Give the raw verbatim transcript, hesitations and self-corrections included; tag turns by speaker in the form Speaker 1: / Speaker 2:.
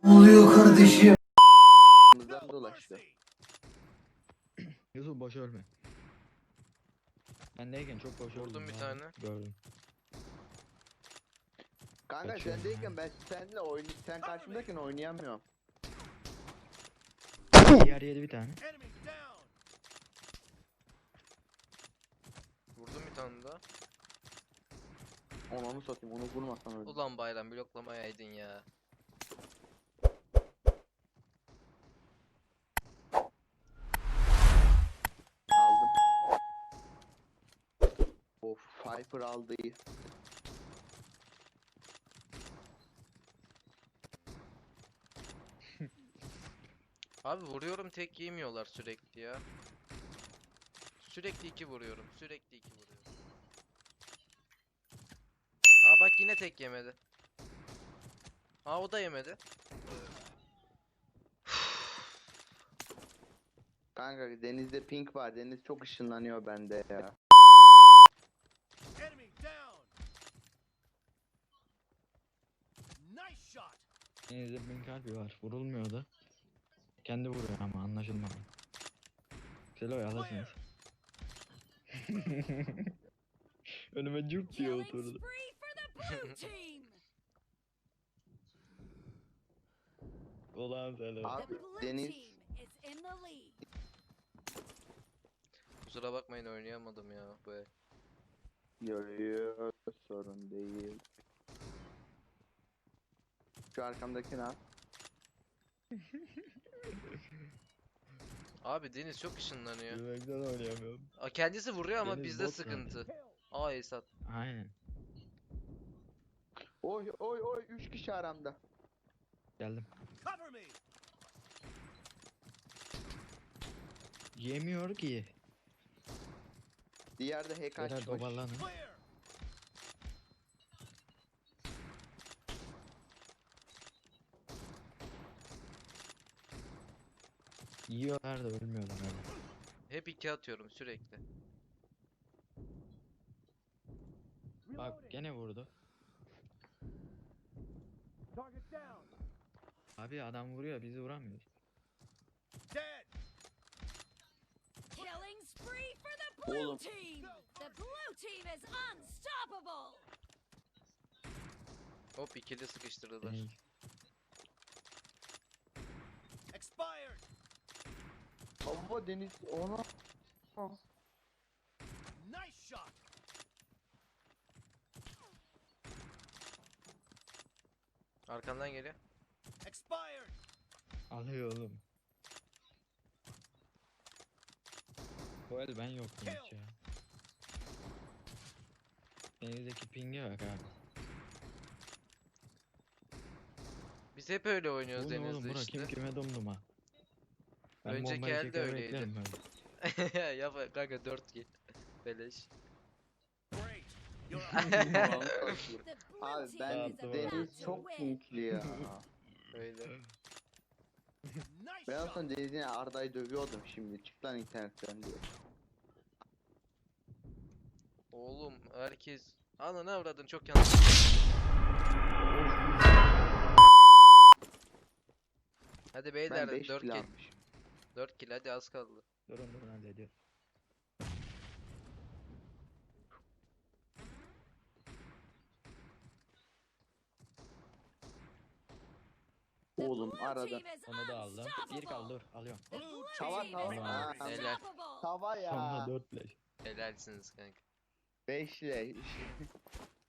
Speaker 1: Ne oluyor kardeşim?
Speaker 2: Buradan dolaştı.
Speaker 3: Yusuf boş ölme. Bendeyken çok boş öldüm.
Speaker 4: Vurdum bir
Speaker 3: abi.
Speaker 4: tane.
Speaker 3: Gördüm.
Speaker 2: Kanka
Speaker 3: Kaçıyorum
Speaker 2: sendeyken
Speaker 3: ya.
Speaker 2: ben seninle oyn sen karşımdayken oynayamıyorum.
Speaker 3: Diğer yedi bir tane.
Speaker 4: Vurdum bir tane daha.
Speaker 2: Onu onu satayım, onu vurmasam öyle.
Speaker 4: Ulan bayram bloklamayaydın ya.
Speaker 2: Aldım. Of, Viper aldı iyi.
Speaker 4: Abi vuruyorum tek yemiyorlar sürekli ya. Sürekli iki vuruyorum. Sürekli iki vuruyorum. Aa bak yine tek yemedi. Aa o da yemedi.
Speaker 2: Kanka denizde pink var, deniz çok ışınlanıyor bende ya.
Speaker 3: Denizde bin kalbi var. Vurulmuyor da. Kendi vuruyor ama anlaşılmadı. Selo'yu alırsınız. Önüme cuk diye
Speaker 5: Killing
Speaker 3: oturdu.
Speaker 5: spree for the blue team.
Speaker 3: Ulan Selo.
Speaker 2: Abi,
Speaker 5: The blue
Speaker 2: Deniz-
Speaker 5: team is in the lead.
Speaker 4: Kusura bakmayın oynayamadım ya bu el.
Speaker 2: Görüyor, sorun değil. Şu arkamdaki ne?
Speaker 4: Abi Deniz çok ışınlanıyor.
Speaker 3: Yemekten oynayamıyorum.
Speaker 4: Aa, kendisi vuruyor ama
Speaker 3: Deniz
Speaker 4: bizde
Speaker 3: bot
Speaker 4: sıkıntı. Aa Esat.
Speaker 3: Aynen.
Speaker 2: Oy oy oy, üç kişi aramda.
Speaker 3: Geldim. Yemiyor ki.
Speaker 2: Diğer de hack
Speaker 3: Beyler
Speaker 2: açmış.
Speaker 3: dobarlanın. Yiyorlar da ölmüyorlar öyle.
Speaker 4: Hep iki atıyorum sürekli.
Speaker 3: Bak gene vurdu. Abi adam vuruyor bizi vuramıyor.
Speaker 5: Killing spree for the blue
Speaker 2: Oğlum.
Speaker 5: team. The blue team is unstoppable.
Speaker 4: Hop ikili sıkıştırdılar.
Speaker 3: Deniz.
Speaker 2: Baba deniz ona.
Speaker 4: Arkandan geliyor.
Speaker 3: Alıyor oğlum. Bu el ben yoktum hiç ya. Denizdeki pinge bak abi.
Speaker 4: Biz hep öyle oynuyoruz
Speaker 3: Bu ne oğlum
Speaker 4: Deniz'de
Speaker 3: bura
Speaker 4: işte.
Speaker 3: kim kime domduma. Ben
Speaker 4: Önceki
Speaker 3: bombayı
Speaker 4: elde
Speaker 3: çeker
Speaker 4: öyleydi.
Speaker 3: beklerim öyle.
Speaker 4: Yap kanka dört kill. Beleş.
Speaker 5: The blue
Speaker 2: Abi
Speaker 5: team
Speaker 2: ben
Speaker 5: is
Speaker 3: Tamam.
Speaker 5: about
Speaker 2: deniz
Speaker 5: to
Speaker 2: çok
Speaker 5: win.
Speaker 2: pinkli ya.
Speaker 4: Öyle.
Speaker 2: Ben aslında denizine Arda'yı dövüyordum şimdi. Çık lan internetten diye.
Speaker 4: Oğlum herkes... Ana ne avradın çok yanlış. Hadi
Speaker 2: Ben
Speaker 4: beyler
Speaker 2: beş
Speaker 4: dört
Speaker 2: kill
Speaker 4: kill.
Speaker 2: almışım.
Speaker 4: dört kill hadi az kaldı.
Speaker 3: Durun durun hallediyorum.
Speaker 5: The
Speaker 2: Oğlum
Speaker 5: blue
Speaker 2: arada.
Speaker 5: team is
Speaker 3: Onu da aldım. Bir kaldı dur alıyorum.
Speaker 5: The blue
Speaker 2: Tava,
Speaker 5: team
Speaker 2: tava.
Speaker 5: is
Speaker 2: Ha,
Speaker 4: helal.
Speaker 5: unstoppable.
Speaker 2: Tava
Speaker 3: Sonra
Speaker 2: ya.
Speaker 3: dört leş.
Speaker 4: Helalsiniz kanka.
Speaker 2: Beşle.